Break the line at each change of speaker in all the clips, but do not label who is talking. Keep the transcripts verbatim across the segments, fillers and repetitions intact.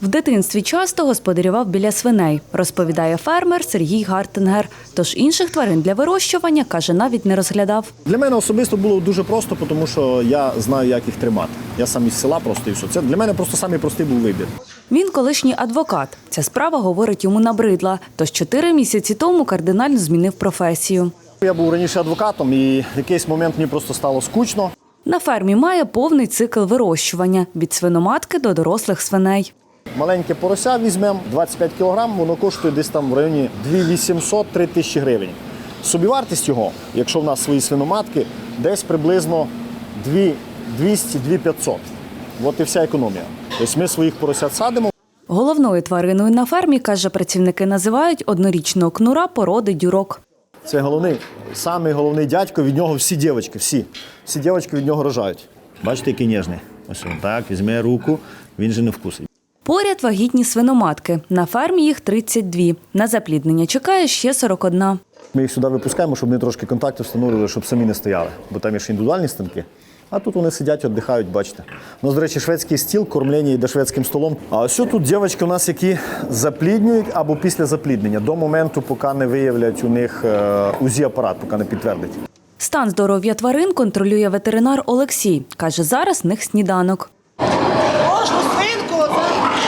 В дитинстві часто господарював біля свиней, розповідає фермер Сергій Гартенгер. Тож інших тварин для вирощування, каже, навіть не розглядав.
Для мене особисто було дуже просто, тому що я знаю, як їх тримати. Я сам із села просто і все. Це для мене просто самий простий був вибір.
Він колишній адвокат. Ця справа, говорить, йому набридла. Тож чотири місяці тому кардинально змінив професію.
Я був раніше адвокатом і в якийсь момент мені просто стало скучно.
На фермі має повний цикл вирощування – від свиноматки до дорослих свиней.
Маленьке порося візьмемо, двадцять п'ять кілограм, воно коштує десь там в районі дві тисячі вісімсот - три тисячі гривень. Собівартість його, якщо в нас свої свиноматки, десь приблизно двісті - дві тисячі п'ятсот. От і вся економія. Тобто ми своїх поросят садимо.
Головною твариною на фермі, каже, працівники називають однорічного кнура породи дюрок.
Це головний, самий головний дядько, від нього всі дівчатки, всі. Всі дівчатки від нього рожають. Бачите, який ніжний. Ось він так, візьме руку, він же не вкусить.
Поряд вагітні свиноматки. На фермі їх тридцять дві. На запліднення чекає ще сорок одна.
Ми їх сюди випускаємо, щоб вони трошки контакту встановлювали, щоб самі не стояли. Бо там є ще індивідуальні станки. А тут вони сидять, віддихають, бачите. У нас, до речі, шведський стіл, кормлення йде шведським столом. А ось тут дівчатки у нас, які запліднюють або після запліднення, до моменту, поки не виявлять у них УЗІ-апарат, поки не підтвердить.
Стан здоров'я тварин контролює ветеринар Олексій. Каже, зараз в них сніданок.
Кожну свинку оце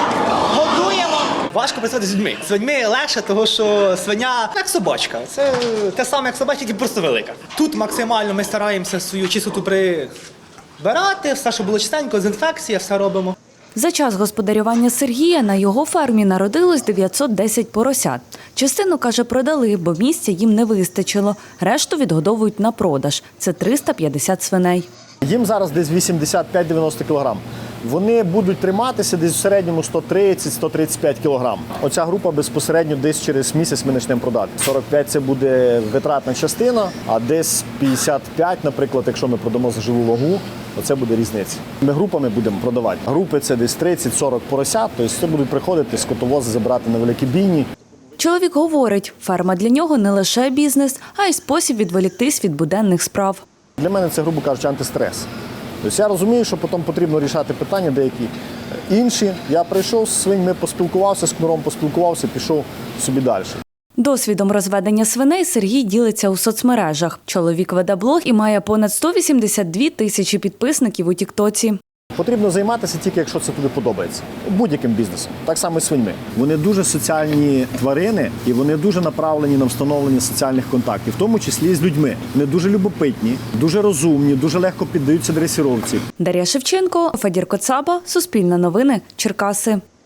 годуємо. Важко працювати з людьми. З людьми легше, тому що свиня як собачка. Це те саме, як собачка, тільки просто велика. Тут максимально ми стараємося свою чистоту прибирати, все, щоб було чистенько, з інфекції, все робимо.
За час господарювання Сергія на його фермі народилось дев'ятсот десять поросят. Частину, каже, продали, бо місця їм не вистачило. Решту відгодовують на продаж. Це триста п'ятдесят свиней.
Їм зараз десь вісімдесят п'ять - дев'яносто кілограм. Вони будуть триматися десь в середньому сто тридцять - сто тридцять п'ять кілограм. Оця група безпосередньо десь через місяць ми почнемо продати. сорок п'ять – це буде витратна частина, а десь п'ятдесят п'ять, наприклад, якщо ми продамо за живу вагу, оце буде різниця. Ми групами будемо продавати. Групи – це десь тридцять - сорок поросят, тобто це будуть приходити скотовози забирати на великі бійні.
Чоловік говорить, ферма для нього не лише бізнес, а й спосіб відволіктись від буденних справ.
Для мене це, грубо кажучи, антистрес. Тобто я розумію, що потім потрібно рішати питання деякі інші. Я прийшов з свиньми, поспілкувався, з кнуром поспілкувався, пішов собі далі.
Досвідом розведення свиней Сергій ділиться у соцмережах. Чоловік веде блог і має понад сто вісімдесят дві тисячі підписників у тіктоці.
Потрібно займатися тільки, якщо це тобі подобається. Будь-яким бізнесом. Так само і свиньми. Вони дуже соціальні тварини і вони дуже направлені на встановлення соціальних контактів, в тому числі і з людьми. Вони дуже любопитні, дуже розумні, дуже легко піддаються дресіровці.
Дар'я Шевченко, Федір Коцаба, Суспільне новини, Черкаси.